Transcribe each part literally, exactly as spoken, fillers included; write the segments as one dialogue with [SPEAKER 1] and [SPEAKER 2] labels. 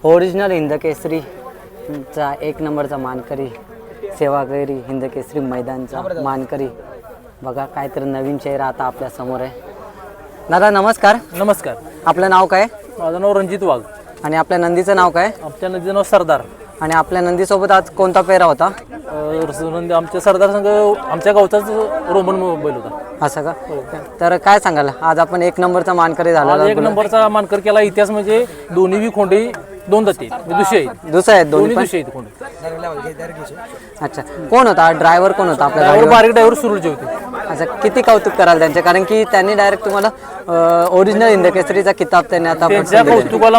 [SPEAKER 1] Original Hindkesari चा एक नंबरचा मानकरी, सेवागिरी हिंदकेसरी मैदानचा मानकरी. बघा काहीतरी नवीन चेहरा आता आपल्या समोर आहे. दादा नमस्कार.
[SPEAKER 2] नमस्कार.
[SPEAKER 1] आपलं नाव काय?
[SPEAKER 2] माझं नाव रणजित वाघ.
[SPEAKER 1] आणि आपल्या नंदीचं नाव काय?
[SPEAKER 2] आमच्या नंदीचं नाव सरदार.
[SPEAKER 1] आणि आपल्या नंदीसोबत आज कोणता पेहरा होता?
[SPEAKER 2] नंदी आमच्या सरदार संघ आमच्या गावचाच रोमन बैल होता.
[SPEAKER 1] असं का? तर काय सांगाल, आज आपण एक नंबरचा मानकरी झाला.
[SPEAKER 2] एक नंबरचा मानकर केला. इतिहास म्हणजे दोन्ही बी खोंडे दोन जाती दुसरे आहेत.
[SPEAKER 1] दुसरे आहेत दोन्ही
[SPEAKER 2] दुसरे आहेत खोंडे.
[SPEAKER 1] अच्छा, कोण होता ड्रायव्हर? कोण होता आपल्या
[SPEAKER 2] ड्रायव्हर? बारीक ड्रायव्हर सुरूचे होते.
[SPEAKER 1] अच्छा, किती कौतुक कराल त्यांचे, कारण की त्यांनी डायरेक्ट तुम्हाला ओरिजिनल हिंदकेसरीचा किताब त्यांनी आता
[SPEAKER 2] त्यांच्या कौतुकाला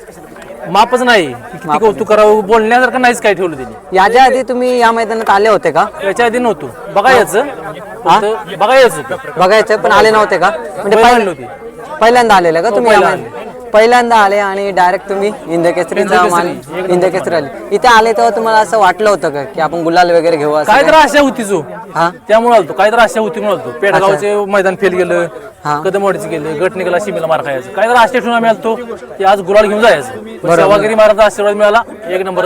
[SPEAKER 2] मापच नाही. किती कौतुक करावं, बोलण्यासारखं नाहीच काय ठेवलं त्यांनी.
[SPEAKER 1] याच्या आधी तुम्ही या मैदानात आले होते का?
[SPEAKER 2] याच्या आधी नव्हतो. बघायचं बघायचं
[SPEAKER 1] बघायचं पण आले नव्हते का? म्हणजे पहिल्यांदा आलेलं का तुम्ही? पहिल्यांदा आले आणि डायरेक्ट तुम्ही हिंदकेसरीचा मान हिंदकेसरी आले. इथे आले तेव्हा तुम्हाला असं वाटलं होतं का की आपण गुलाल वगैरे घेऊ?
[SPEAKER 2] काय तर आशा होती जो,
[SPEAKER 1] हा
[SPEAKER 2] त्यामुळे आलतो. काय तर आशा होती म्हणून आलतो. पेडगावचे मैदान फेल गेलं, कदमवाडीचं गेलं, गट निघाला, शिमेला मार खायचं. काय तर आशा ठेवून आम्ही आलतो की आज गुलाल घेऊन जायचं. सेवागिरी महाराजांचा आशीर्वाद मिळाला, एक नंबर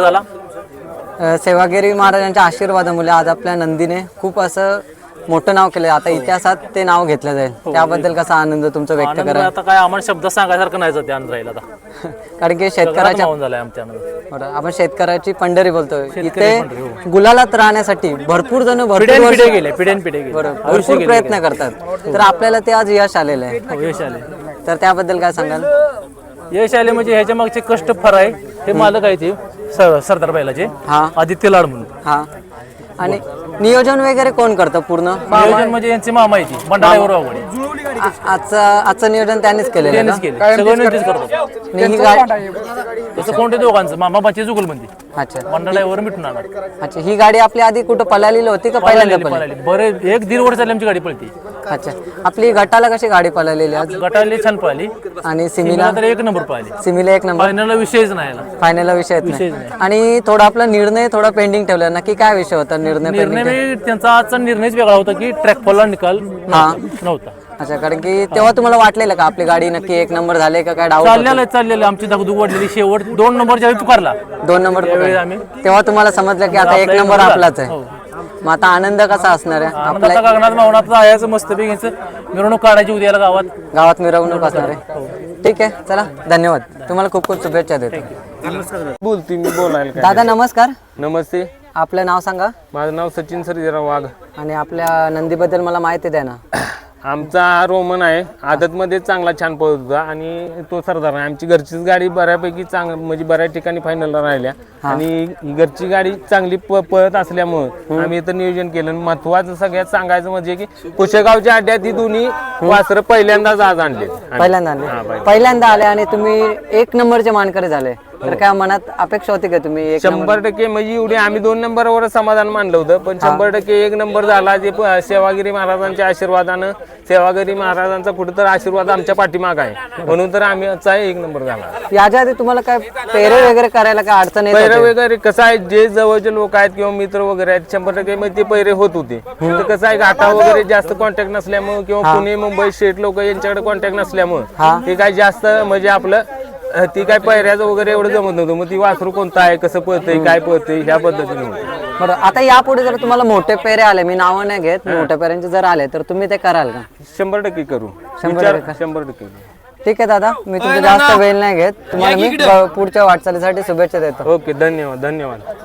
[SPEAKER 2] झाला.
[SPEAKER 1] सेवागिरी महाराजांच्या आशीर्वादामुळे आज आपल्या नंदीने खूप असं मोठं नाव केलं. आता इतिहासात ते नाव घेतलं जाईल. त्याबद्दल कसा आनंद तुमचा व्यक्त करा?
[SPEAKER 2] आता काय आम्हाला शब्द सांगायसारखं नाही जाते आनंद राहील आता.
[SPEAKER 1] कारण की शेतकऱ्याच्या
[SPEAKER 2] झालाय आमच्या आनंद.
[SPEAKER 1] आपण शेतकऱ्याची पंढरी बोलतोय. इथे गुलालात राहण्यासाठी भरपूर जण भरपूर
[SPEAKER 2] पिढे गेले पिढ्यान पिढे गेले
[SPEAKER 1] भरपूर प्रयत्न करतात. तर आपल्याला ते आज यश आलेलं आहे.
[SPEAKER 2] यश आले.
[SPEAKER 1] तर त्याबद्दल काय सांगाल?
[SPEAKER 2] यश आले म्हणजे ह्याच्या मागचे कष्ट फार आहे. हे मालक आहे ते सरदार बैलाचे,
[SPEAKER 1] हा
[SPEAKER 2] आदित्य लाड म्हणून.
[SPEAKER 1] हा, आणि नियोजन वगैरे कोण करतं पूर्ण?
[SPEAKER 2] नियोजन म्हणजे यांची मामा आहे ती मंडळावर आवड.
[SPEAKER 1] आजचं आजचं नियोजन त्यांनीच केलेलं
[SPEAKER 2] त्यांनीच केलं, सगळं तेच करतो.
[SPEAKER 1] ही गाडी
[SPEAKER 2] तसं कोणते दोघांचं मामा बाची जुगल म्हणते.
[SPEAKER 1] अच्छा,
[SPEAKER 2] मंडळावर मिटून आणणार.
[SPEAKER 1] अच्छा, ही गाडी आपली आधी कुठं पळालेली होती का पहिल्यांदा पळाली?
[SPEAKER 2] बरे एक दीड वर्ष झाली आमची गाडी पळते.
[SPEAKER 1] अच्छा, आपली गटाला कशी गाडी पळालेली आज?
[SPEAKER 2] गटाला छान पळाली
[SPEAKER 1] आणि सिमीला
[SPEAKER 2] तर एक नंबर पळाली.
[SPEAKER 1] सिमीला एक नंबर.
[SPEAKER 2] फायनलला विषयच नाही.
[SPEAKER 1] फायनलला विषय नाही. आणि थोडा आपला निर्णय थोडा पेंडिंग ठेवला. नक्की काय विषय होता निर्णय?
[SPEAKER 2] निर्णय त्यांचा आजचा निर्णयच वेगळा होता की ट्रॅक फॉलला निकाल नव्हता.
[SPEAKER 1] अच्छा, कारण की तेव्हा तुम्हाला वाटलेलं का आपली गाडी नक्की एक नंबर झाले का? काय डाऊट
[SPEAKER 2] चाललेलं चाललेलं आमची दगदूग वाढलेली. शेवट दोन नंबर ज्यावेळी पुकारला
[SPEAKER 1] दोन नंबर
[SPEAKER 2] आम्ही
[SPEAKER 1] तेव्हा तुम्हाला समजलं की आता एक नंबर आपलाच आहे. मग आता आनंद कसा असणार आहे?
[SPEAKER 2] आपल्या गगनात मावनात जायचं, मस्त घ्यायचं, मिरवणूक काढायची उद्याला गावात.
[SPEAKER 1] गावात मिरवणूक असणार आहे. ठीक आहे, चला धन्यवाद. तुम्हाला खूप खूप शुभेच्छा देतो.
[SPEAKER 3] बोलती मी बोलायला.
[SPEAKER 1] दादा नमस्कार.
[SPEAKER 3] नमस्ते.
[SPEAKER 1] आपलं नाव सांगा.
[SPEAKER 3] माझं नाव सचिन सर्जेराव वाघ.
[SPEAKER 1] आणि आपल्या नंदीबद्दल मला माहिती द्या ना.
[SPEAKER 3] आमचा हा रोमन आहे. आदतमध्ये चांगला छान पळत होता आणि तो सरदार आहे. आमची घरचीच गाडी बऱ्यापैकी चांग म्हणजे बऱ्याच ठिकाणी फायनलला राहिल्या. आणि ही घरची गाडी चांगली प पळत असल्यामुळं आम्ही इथं नियोजन केलं. महत्वाचं सगळ्यात सांगायचं म्हणजे की पुशेगावच्या अड्ड्यात ही दोन्ही वासरं पहिल्यांदाच आज आणले.
[SPEAKER 1] पहिल्यांदा आणले पहिल्यांदा आले आणि तुम्ही एक नंबरचे मानकरी झाले. तर काय मनात अपेक्षा होती का तुम्ही?
[SPEAKER 3] शंभर टक्के म्हणजे एवढे आम्ही दोन नंबरवर समाधान मानलं होतं. पण शंभर टक्के एक नंबर झाला. जे सेवागिरी महाराजांच्या आशीर्वादानं, सेवागिरी महाराजांचा कुठं तर आशीर्वाद आमच्या पाठीमाग आहे, म्हणून तर आम्ही एक नंबर झाला.
[SPEAKER 1] याच्या आधी तुम्हाला काय पेरे वगैरे करायला काय अडचण येत?
[SPEAKER 3] पैरे वगैरे कसं आहे, जे जवळचे लोक आहेत किंवा मित्र वगैरे आहेत शंभर टक्के मध्ये ते पैरे होत होते. तर कसं आहे, घाटा वगैरे जास्त कॉन्टॅक्ट नसल्यामुळे किंवा पुणे मुंबई स्टेट लोक यांच्याकडे कॉन्टॅक्ट नसल्यामुळे ते काय जास्त म्हणजे आपलं ती काय पैऱ्याचं वगैरे एवढं जमत नव्हतं. मग ती वासरू कोणतं आहे, कसं पळतंय, काय पळतंय ह्या पद्धतीने होतं.
[SPEAKER 1] बरं, आता यापुढे जर तुम्हाला मोठे पेरे आले, मी नावं नाही घेत, मोठ्या पेऱ्यांचे जर आले तर तुम्ही ते कराल का?
[SPEAKER 3] शंभर टक्के करू.
[SPEAKER 1] शंभर टक्के
[SPEAKER 3] शंभर टक्के
[SPEAKER 1] ठीक आहे दादा, मी तुमचा जास्त वेळ नाही घेत. तुम्हाला मी पुढच्या वाटचालीसाठी शुभेच्छा देतो.
[SPEAKER 3] ओके, धन्यवाद धन्यवाद.